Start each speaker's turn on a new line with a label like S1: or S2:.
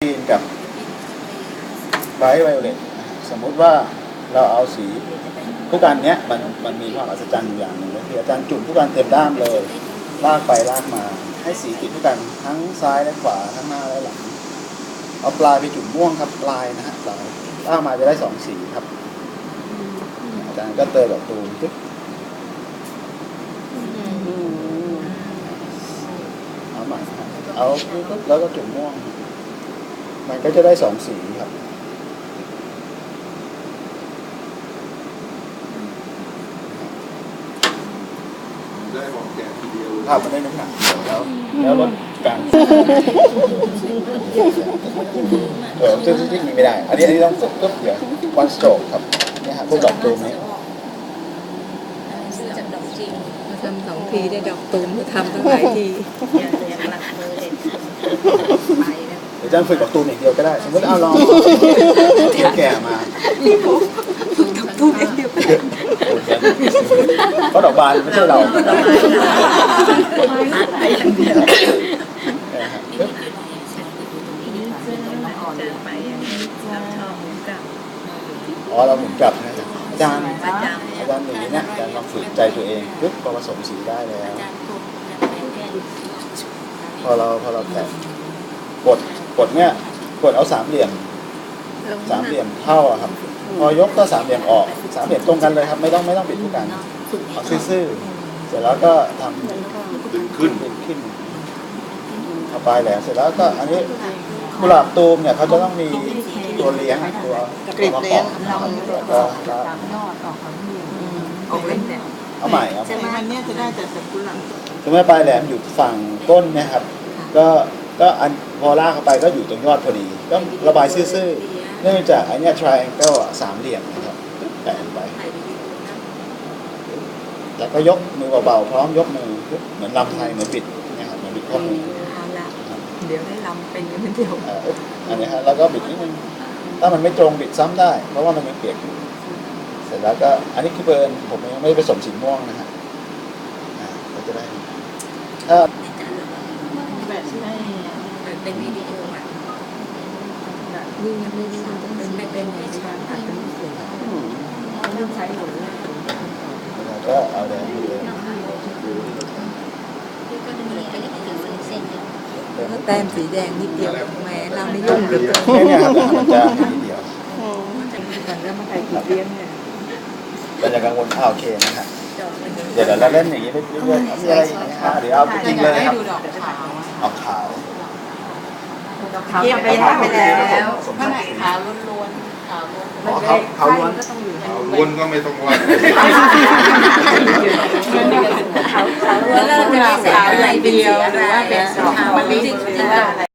S1: รีนกับไบรท์ไวโอเลตสมมุติว่าเราเอาสีผู้กันเนี้ยมันมีความอัศจรรย์อย่างหนึ่งก็คืออาจารย์จุ่มผู้กันเต็มด้ามเลยลากไปลากมาให้สีติดผู้กันทั้งซ้ายและขวาทั้งหน้าและหลังเอาปลายไปจุ่มม่วงครับปลายนะฮะปลายลากมาจะได้2สีครับอาจารย์ก็เติมแบบตูมปึ๊บเอาใหม่ครับเอาปึ๊บแล้วก็จุ่มม่วงมันก็จะได้2สีครับ
S2: ได้ของแกทีเดียว
S1: ภาพมันได้น้ำหนักแล้วลดการซึ่งมีไม่ได้อันนี้ต้องฝึกปุ๊บเดี๋ยววันสโตรกครับนี่ฮะพวกดอกตูมนี้
S3: ซื้อจากดอกจริง
S4: ทำ2 ทีได้ดอกตูมทำตั้งหลายที
S3: อย่างหลักมือเด็กไปนะ
S1: เดี๋ยวจะฝึกดอกตูมอย่างเดียวก็ได้สมมติเอาลองแก่มา
S4: ดอกตูมอย่างเดียว
S1: เพราะดอกบานไม่ใช่เราอ๋อเราหมุนกลับนะอาจารย์อย่างนี้เนี่ยอาจารย์ลองฝึกใจตัวเองปุ๊บพอผสมสีได้แล้วพอเราแตะกดเนี่ยกดเอา3 เหลี่ยมเท่าอะครับพอยกก็3 เหลี่ยมออก3 เหลี่ยมตรงกันเลยครับไม่ต้องบิดทุกกันเอาซื่อๆเสร็จแล้วก็ทำดึงขึ้นเอาปลายแหลมเสร็จแล้วก็อันนี้กุหลาบตูมเนี่ยเขาจะต้องมีตัวเลี้ยงตัว
S4: กรีบเลี้ยง
S1: แล้วก็
S4: ออกเล่นเนี่ย
S1: เอาใหม่
S4: มันเนี่ยจะได้แต่กุหลาบ
S1: สมมติปลายแหลมอยู่ฝั่งก้นนะครับก็อันพอลากเข้าไปก็อยู่ตรงยอดพอดีก็ระบายซื่อๆเนื่องจากอันนี้ triangle 3 เหลี่ยมนะครับแตะไปแล้วก็ยกมือเบาๆพร้อมยกมือเหมือนลำไทยเหมือนบิดนะครับเหมือนบิดข้อมือ
S4: เดี๋ยวได้ลำเป็นกันเดียว
S1: อันนี้ฮะแล้วก็บิดนิดนึงถ้ามันไม่ตรงบิดซ้ำได้เพราะว่ามันยังเปียกอยู่เสร็จแล้วก็อันนี้คือเบิร์นผมยังไม่ผสมสีม่วงนะฮะก็จะได้ถ้า
S4: แบบที่ให้
S3: เป็นวิดีโออ่ะ
S4: นี่ยังไม่ได้เป็นในชาตัดเป็นเสียงต้องใช้หมดเลย
S1: ก็เอาแดงเลย
S4: แต้มสีแดงนิดเดียวแม้เราไม่ยุ่งเลย
S1: เนี่ยครับมันจะนิดเดียว
S4: ก่อนแล้วมาใส่ขีดเลี้ยงเนี่ย
S1: เราจะกังวลโอเคนะฮะเดี๋ยวเราเล่นอย่างนี้เรื่อยๆมีอะไรอีกไหมฮะเดี๋ยวเอาจริงเลยครับเอาขาว
S4: เยี่ยมไปแล้ว
S3: ข้างไหนขาวล้วนๆขาวล้วน
S1: ขาวล้วน
S2: ล้วนก็ไม่ต้องว่า
S3: แล้วเราจะมีขาวอะไรเดียวหรือว่าเป็นขาวมันไม่จริงๆ